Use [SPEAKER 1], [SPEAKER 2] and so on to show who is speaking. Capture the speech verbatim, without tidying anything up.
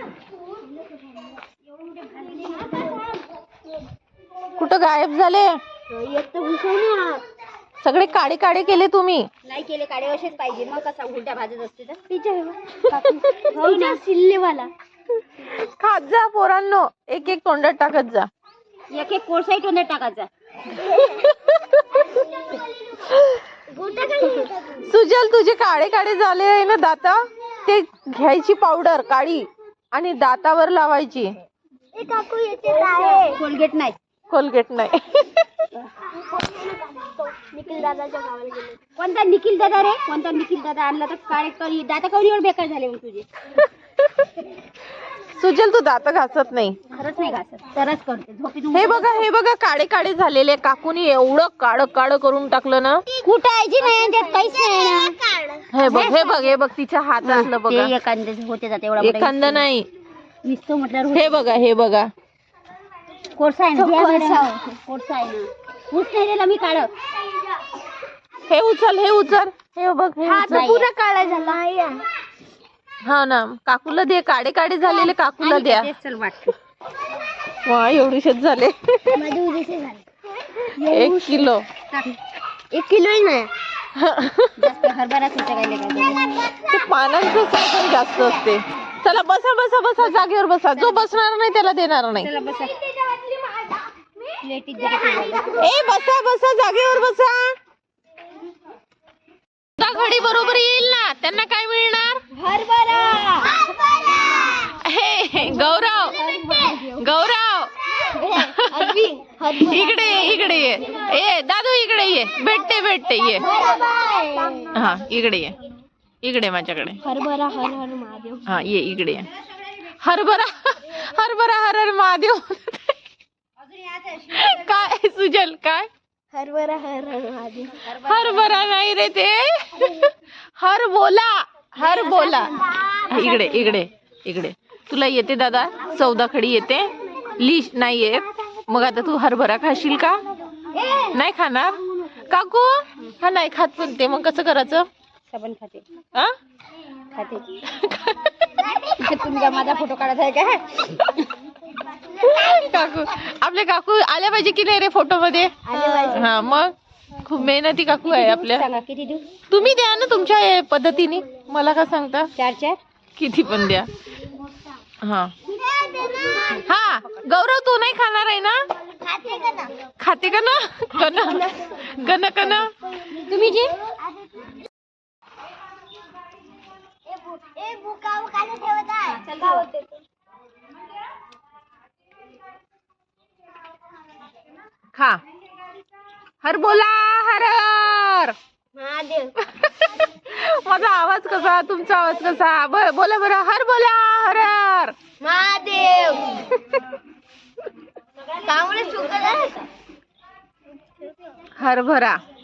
[SPEAKER 1] कुठं गायब झाले? सगळे काळे काळे केले तुम्ही?
[SPEAKER 2] नाही केले, काळे असेच पाहिजे. मग कसा उलट्या भाजत असते तर
[SPEAKER 1] सिल्लेवाला खात जा पोरांनो, एक एक तोंडात टाकत जा.
[SPEAKER 2] एक एक कोळसाही तोंडात टाकायचा.
[SPEAKER 1] सुजल, तुझे काळे काळे झाले आहे ना दात, ते घ्यायची पावडर काळी आणि दातावर लावायची.
[SPEAKER 2] कोलगेट नाही,
[SPEAKER 1] कोलगेट नाही.
[SPEAKER 2] निखिल दादाच्या गावाला गेले. कोणता निखिल दादा रे? कोणता निखिल दादा आणला तर काळे करी दाता कवरीवर बेकार झाले मग तुझे.
[SPEAKER 1] सुजल, तू दात घासत नाही.
[SPEAKER 2] खरंच नाही घासत, तरच करते झोपेतून.
[SPEAKER 1] हे बघा, हे बघा, काळे काळे झालेले. काकूनी एवढं काळ काळ करून टाकलं ना.
[SPEAKER 2] कुटायची नाही त्यात काहीच नाही ना.
[SPEAKER 1] हे बघ, हे बघ, हे बघ, तिच्या हातातलं बघा.
[SPEAKER 2] ते एखांदे होते जाते एवढा
[SPEAKER 1] एखांदा नाही.
[SPEAKER 2] नुसतं म्हटल्यावर
[SPEAKER 1] हे बघा, हे बघा,
[SPEAKER 2] कोर्स आहे ना. कोर्स आहे ना. ऊस नाही दिला मी काढ.
[SPEAKER 1] हे उचल, हे उचल, हे बघ, हे उचल.
[SPEAKER 2] पुरा काळा झाला.
[SPEAKER 1] हा ना, काकूला दे. काळे काळे झालेले काकूला द्या.
[SPEAKER 2] चल वाटत.
[SPEAKER 1] वा, एवढीशेच झाले. एक किलो.
[SPEAKER 2] एक किलो नाही. जास्त हरभरा
[SPEAKER 1] ते पानांचं साखर जास्त असते. चला बसा बसा बसा, जागेवर बसा. जो बसणार नाही त्याला देणार नाही.
[SPEAKER 2] चला बसा.
[SPEAKER 1] ए बसा बसा, जागेवर बसा. घडी बरोबर येईल ना, त्यांना काय मिळणार?
[SPEAKER 2] हरभरा.
[SPEAKER 1] हे गौरव, गौरव इकडे ये, इकडे ये. ए दादू, इकडे ये. भेटते भेटते ये. हा, इकडे ये, इकडे माझ्याकडे.
[SPEAKER 2] हरभरा हर हर महादेव.
[SPEAKER 1] हा, ये इकडे ये. हरभरा हरभरा हर हर महादेव. काय सुजल, काय?
[SPEAKER 2] हरभरा हर हर महादेव.
[SPEAKER 1] हरभरा नाही रे ते, हर बोला, हर बोला. इकडे इकडे इकडे. तुला येते दादा? चौदा खडी येते? लिस्ट नाही येत. मग आता तू हरभरा खाशील का? नाही खाणार काकू? हा नाही खात पण ते. मग कसं करायचं?
[SPEAKER 2] सबन खाते.
[SPEAKER 1] आ?
[SPEAKER 2] खाते. तुम्ही का माझा फोटो काढत आहे का?
[SPEAKER 1] काकू, आपले काकू आल्या पाहिजे की नाही रे फोटो मध्ये? हा, मग खूप मेहनती काकू आहे आपल्या.
[SPEAKER 2] सांगा किती देऊ?
[SPEAKER 1] तुम्ही द्या ना तुमच्या पद्धतीने. मला का सांगता?
[SPEAKER 2] चार चार
[SPEAKER 1] किती पण द्या. हा हा, गौरव तू नाही खाणार आहे ना? खाते का ना? कन कन कन
[SPEAKER 2] तुम्ही जे
[SPEAKER 1] खा. हर बोला, हर हर
[SPEAKER 2] महादेव.
[SPEAKER 1] माझा आवाज कसा, तुमचा आवाज कसा? बोला बरं. हर बोला, हर हर
[SPEAKER 2] महादेव. कांबळे सुकत आहे.
[SPEAKER 1] हरभरा.